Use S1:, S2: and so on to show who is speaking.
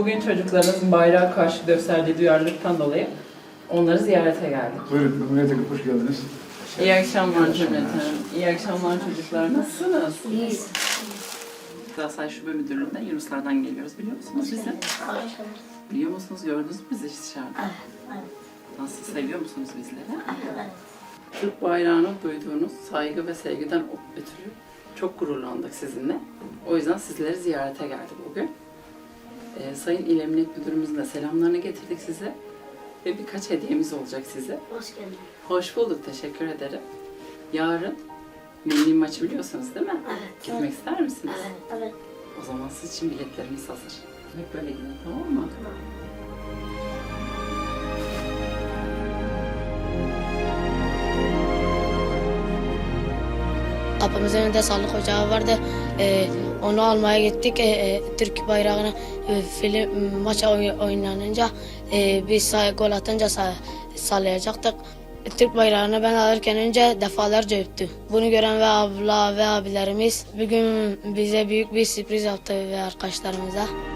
S1: Bugün çocuklarınızın bayrağa karşı gösterdiği duyarlılıktan dolayı onları ziyarete geldik.
S2: Buyurun, Cumhuriyet'e hoş geldiniz.
S1: İyi akşamlar cümleten. İyi akşamlar çocuklar. Nasılsınız?
S3: İyiyiz.
S1: Galatasaray Şube Müdürlüğü'nden Yunuslardan geliyoruz. Biliyor musunuz bizi? Biliyor musunuz? Gördünüz mü bizi dışarıda?
S3: Evet.
S1: Nasıl? Seviyor musunuz bizleri?
S3: Evet.
S1: Türk bayrağına duyduğunuz saygı ve sevgiden ötürü çok gururlandık sizinle. O yüzden sizleri ziyarete geldik bugün. Sayın İl Emniyet Müdürümüzün de selamlarını getirdik size. Ve birkaç hediyemiz olacak size.
S3: Hoş geldin.
S1: Hoş bulduk, teşekkür ederim. Yarın milli maçı biliyorsunuz değil mi?
S3: Evet.
S1: Gitmek ister misiniz?
S3: Evet.
S1: O zaman siz için biletlerimiz hazır. Hep böyle gidin, tamam mı?
S3: Tamam.
S4: Kapımızın önünde sağlık ocağı vardı. Onu almaya gittik. Türk bayrağını maç oynanınca biz gol atınca sallayacaktık. Türk bayrağını ben alırken önce defalarca öptü. Bunu gören ve abla ve abilerimiz bugün bize büyük bir sürpriz yaptı ve arkadaşlarımıza.